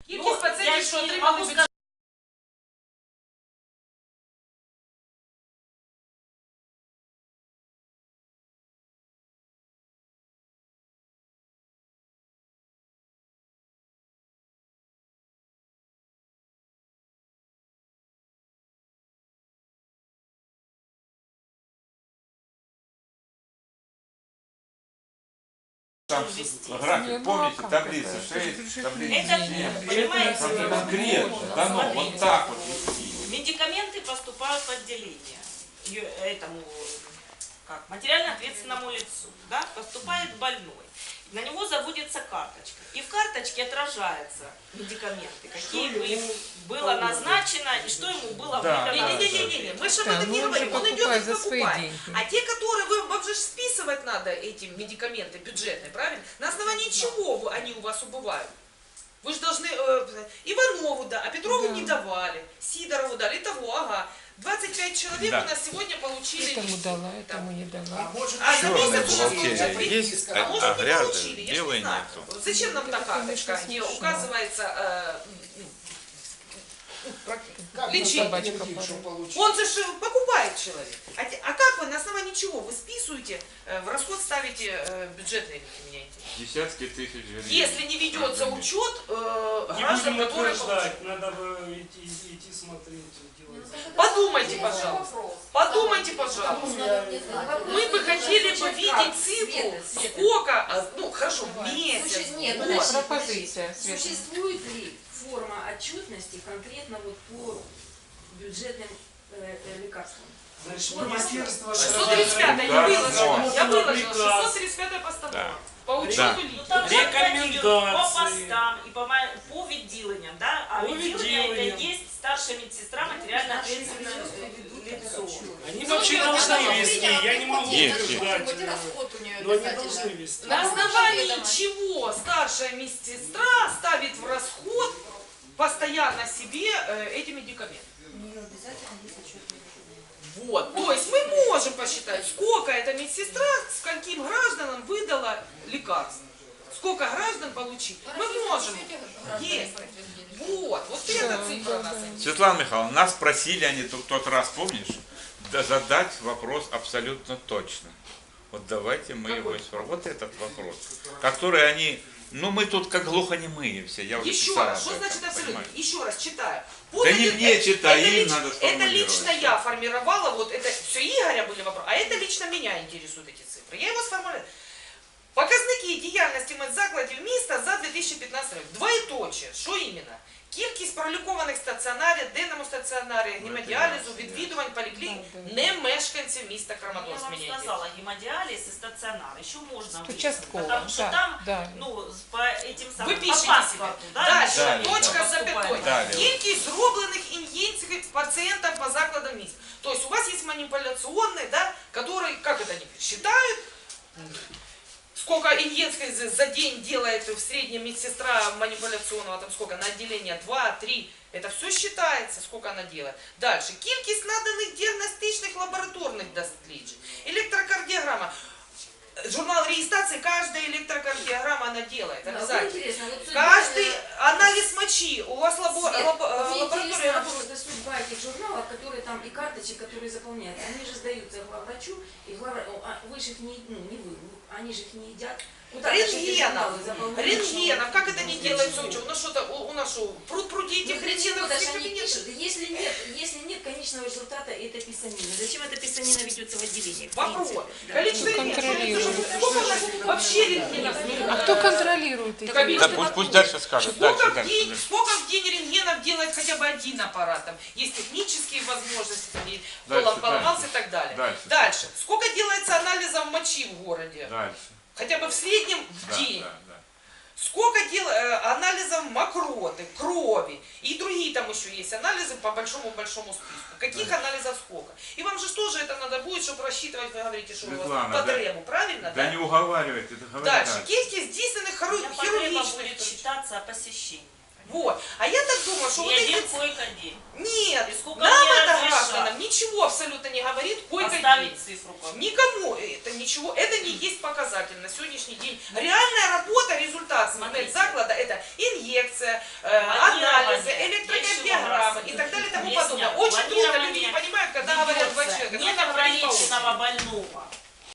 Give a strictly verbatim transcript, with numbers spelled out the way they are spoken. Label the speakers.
Speaker 1: Кількість пацієнтів, що отримали бюджет.
Speaker 2: Там график, помните, таблица шесть, таблица семь, это конкретно, дано, вот так вот вести.
Speaker 1: Медикаменты поступают в отделение этому, как, материально ответственному лицу, да, поступает больной. На него заводится карточка. И в карточке отражаются медикаменты, какие бы ему было назначено и что ему было
Speaker 3: Да.
Speaker 1: выдано.
Speaker 4: Не-не-не, мы же об этом не говорим. Он идет и покупает. А те, которые вы, вам же списывать надо эти медикаменты бюджетные, правильно? На основании чего вы, они у вас убывают? Вы же должны э, Иванову, да, а Петрову
Speaker 3: Да.
Speaker 4: не давали, Сидорову дали, и того, ага. двадцать пять человек
Speaker 2: Да.
Speaker 4: у нас сегодня получили.
Speaker 3: Этому дала, этому не дала.
Speaker 4: А за
Speaker 2: Черная
Speaker 4: месяц уже
Speaker 2: бухгалтерия
Speaker 4: получили.
Speaker 2: есть,
Speaker 4: А
Speaker 2: а,
Speaker 4: может
Speaker 2: а
Speaker 4: не
Speaker 2: грязная,
Speaker 4: получили, я ж не
Speaker 2: белой
Speaker 4: знаю.
Speaker 2: нету.
Speaker 4: Зачем нам та
Speaker 3: Это,
Speaker 4: карточка,
Speaker 3: конечно,
Speaker 4: где
Speaker 3: смешно.
Speaker 4: указывается э,
Speaker 5: Как
Speaker 4: лечение?
Speaker 3: собачка
Speaker 5: подтвердить, что
Speaker 3: падает.
Speaker 5: получил?
Speaker 4: Он же ж покупает человек. А, те- а как вы, на основании чего вы списываете, э, в расход ставите э, бюджетные, меня интересует?
Speaker 2: Десятки тысяч гривен.
Speaker 4: Если не ведется
Speaker 2: Разумеется.
Speaker 4: учет э,
Speaker 6: Не
Speaker 4: граждан,
Speaker 6: будем
Speaker 4: которые
Speaker 6: утверждать, надо бы идти, идти смотреть, делать.
Speaker 4: получили. Подумайте, пожалуйста. Подумайте, пожалуйста. Мы бы хотели бы видеть цифру, сколько, а, ну хорошо, в месяц,
Speaker 7: Слушай, нет,
Speaker 4: год.
Speaker 7: подожди,
Speaker 3: Пропозиция, Света.
Speaker 7: Существует ли форма отчетности конкретно вот по бюджетным э, э, лекарствам?
Speaker 6: Значит,
Speaker 7: Форма
Speaker 6: министерство...
Speaker 4: шестьсот тридцать пятое я
Speaker 2: Да,
Speaker 4: выложила,
Speaker 2: да.
Speaker 4: я выложила,
Speaker 6: Приказ.
Speaker 4: шестьсот тридцать пятое постановление.
Speaker 2: Да.
Speaker 4: По учету
Speaker 2: Да.
Speaker 1: Ну,
Speaker 4: лиц.
Speaker 1: там же
Speaker 6: Рекомендации.
Speaker 1: по постам и по, ма- по відділенням, да? А
Speaker 6: По
Speaker 1: відділення это
Speaker 6: відділенням.
Speaker 1: есть старшая медсестра, материально ответственное лицо.
Speaker 6: Они
Speaker 4: Ну,
Speaker 6: вообще
Speaker 4: это
Speaker 6: должны
Speaker 4: надо
Speaker 6: вести, я не могу
Speaker 2: Есть,
Speaker 6: утверждать,
Speaker 7: Хоть
Speaker 6: э,
Speaker 7: расход у нее
Speaker 6: но они
Speaker 7: обязательно.
Speaker 6: должны вести.
Speaker 4: На основании чего старшая медсестра ставит в расход постоянно себе э, эти медикаменты?
Speaker 7: У нее обязательно есть отчетный
Speaker 4: Вот, то есть мы можем посчитать, сколько эта медсестра, скольким гражданам выдала лекарств. Сколько граждан получить. Мы можем. Есть. Вот, вот эта цифра нас интересует.
Speaker 2: Светлана Михайловна, нас просили они в тот раз, помнишь, да, задать вопрос абсолютно точно. Вот давайте мы его исправим. Вот этот вопрос, который они, ну мы тут как глухонемые все, я уже
Speaker 4: Еще
Speaker 2: писал
Speaker 4: раз,
Speaker 2: об
Speaker 4: что
Speaker 2: этом,
Speaker 4: значит абсолютно?
Speaker 2: понимаете?
Speaker 4: Еще раз читаю.
Speaker 2: Да не
Speaker 4: это-
Speaker 2: мне
Speaker 4: это-
Speaker 2: читай,
Speaker 4: это
Speaker 2: им
Speaker 4: лич-
Speaker 2: надо
Speaker 4: Это
Speaker 2: сформулировать.
Speaker 4: лично я формировала, вот это все Игоря были вопросы, а это лично меня интересуют эти цифры. Я его сформулировала. Показники діяльності медзакладів міста за дві тисячі п'ятнадцятий рік. Двоєточие. Що іменно? Кількість пролікованих стаціонарів, денному стаціонарі, гемодіалізу, відвідувань поліклінік, не мешканців міста
Speaker 1: Я
Speaker 4: Краматорськ.
Speaker 1: вам
Speaker 4: Меня
Speaker 1: сказала, гемодиализ и стационар еще можно выделить,
Speaker 3: Участково,
Speaker 1: потому что
Speaker 3: да,
Speaker 1: там,
Speaker 3: да.
Speaker 1: ну, по этим самым,
Speaker 4: Ви
Speaker 1: по
Speaker 4: пишете
Speaker 1: паспорту,
Speaker 4: себе.
Speaker 1: да,
Speaker 4: Дальше,
Speaker 2: Далі,
Speaker 4: точка з
Speaker 2: да.
Speaker 4: запятою.
Speaker 2: Далі.
Speaker 4: Кількість зроблених ін'єкцій пацієнтам по закладам міста. То есть у вас есть манипуляционные, да, которые, как это они считают, сколько инъекций за за день делает в среднем медсестра манипуляционного, там сколько, на отделение два три, это все считается, сколько она делает. Дальше, кількість наданих діагностичних лабораторних досліджень, электрокардиограмма. Журнал регистрации, каждая электрокардиограмма она делает,
Speaker 7: Да, вот
Speaker 4: обязательно.
Speaker 7: интересно, вот судьба,
Speaker 4: Каждый
Speaker 7: э,
Speaker 4: анализ мочи, у вас лабо-
Speaker 7: Свет,
Speaker 4: лабо-
Speaker 7: вот мне
Speaker 4: лаборатория
Speaker 7: интересно
Speaker 4: работает.
Speaker 7: просто судьба этих журналов, которые там и карточек, которые заполняются, они же сдаются главврачу, и главврач, а вы же их не, ну, не вы, они же их не едят. Куда же эти
Speaker 4: Рентгенов,
Speaker 7: журналы заполняют?
Speaker 4: рентгенов, как это не делается учет? У нас что-то, у, у нас что, пруд пруди
Speaker 7: Ну,
Speaker 4: этих
Speaker 7: для чего
Speaker 4: рентгенов
Speaker 7: даже
Speaker 4: всех
Speaker 7: они
Speaker 4: кабинетов?
Speaker 7: пишут? Если нет, если нет конечного результата этой писанины, зачем эта писанина ведется в отделении? в
Speaker 4: Вопрос.
Speaker 7: принципе? Да.
Speaker 4: Количество
Speaker 3: Кто
Speaker 4: рентгенов.
Speaker 3: контролирует?
Speaker 4: Сколько у нас вообще рентгенов?
Speaker 3: А кто контролирует эти?
Speaker 4: Так,
Speaker 2: Да, пусть, пусть дальше скажут,
Speaker 4: Сколько
Speaker 2: дальше,
Speaker 4: в,
Speaker 2: дальше.
Speaker 4: день,
Speaker 2: дальше.
Speaker 4: сколько в день рентгенов делает хотя бы один аппарат? Там есть технические возможности, там, и
Speaker 2: Дальше,
Speaker 4: полом поломался
Speaker 2: дальше.
Speaker 4: и так далее.
Speaker 2: Дальше.
Speaker 4: Дальше. Сколько делается анализов мочи в городе?
Speaker 2: Дальше.
Speaker 4: Хотя бы в среднем в
Speaker 2: Да,
Speaker 4: день.
Speaker 2: да, да.
Speaker 4: Сколько дел, э, анализов мокроты, крови и другие там еще есть анализы по большому-большому списку. Каких
Speaker 2: Да.
Speaker 4: анализов сколько? И вам же тоже это надо будет, чтобы рассчитывать, вы говорите, что у вас
Speaker 2: Светлана,
Speaker 4: по
Speaker 2: да-
Speaker 4: требу, правильно?
Speaker 2: Да не уговаривайте, это говори
Speaker 4: Дальше.
Speaker 2: дальше.
Speaker 4: Кількість здійснених
Speaker 1: У меня
Speaker 4: хиру-
Speaker 1: потреба
Speaker 4: хирургічних
Speaker 1: будет
Speaker 4: втручань.
Speaker 1: считаться о посещении.
Speaker 4: Вот. А я так думаю, что
Speaker 1: И
Speaker 4: вот
Speaker 1: один
Speaker 4: эти...
Speaker 1: койко-день.
Speaker 4: Нет,
Speaker 1: И сколько
Speaker 4: нам
Speaker 1: мне
Speaker 4: это
Speaker 1: разрешат?
Speaker 4: гражданам ничего абсолютно не говорит койко-день.
Speaker 1: Поставить цифру. как-
Speaker 4: Никому это ничего, это не есть показатель на сегодняшний день. Реальная работа, результат
Speaker 1: Смотрите.
Speaker 4: заклада, это инъекция, э,
Speaker 1: Планирование.
Speaker 4: анализы,
Speaker 1: Я еще
Speaker 4: электрокардиограммы
Speaker 1: вам
Speaker 4: и так далее и тому
Speaker 1: объясняю.
Speaker 4: подобное. Очень трудно, люди не
Speaker 1: Планирование
Speaker 4: понимают, когда говорят два
Speaker 1: ведется.
Speaker 4: человека.
Speaker 1: Нет
Speaker 4: Нужно говорить по
Speaker 1: ограниченного больного.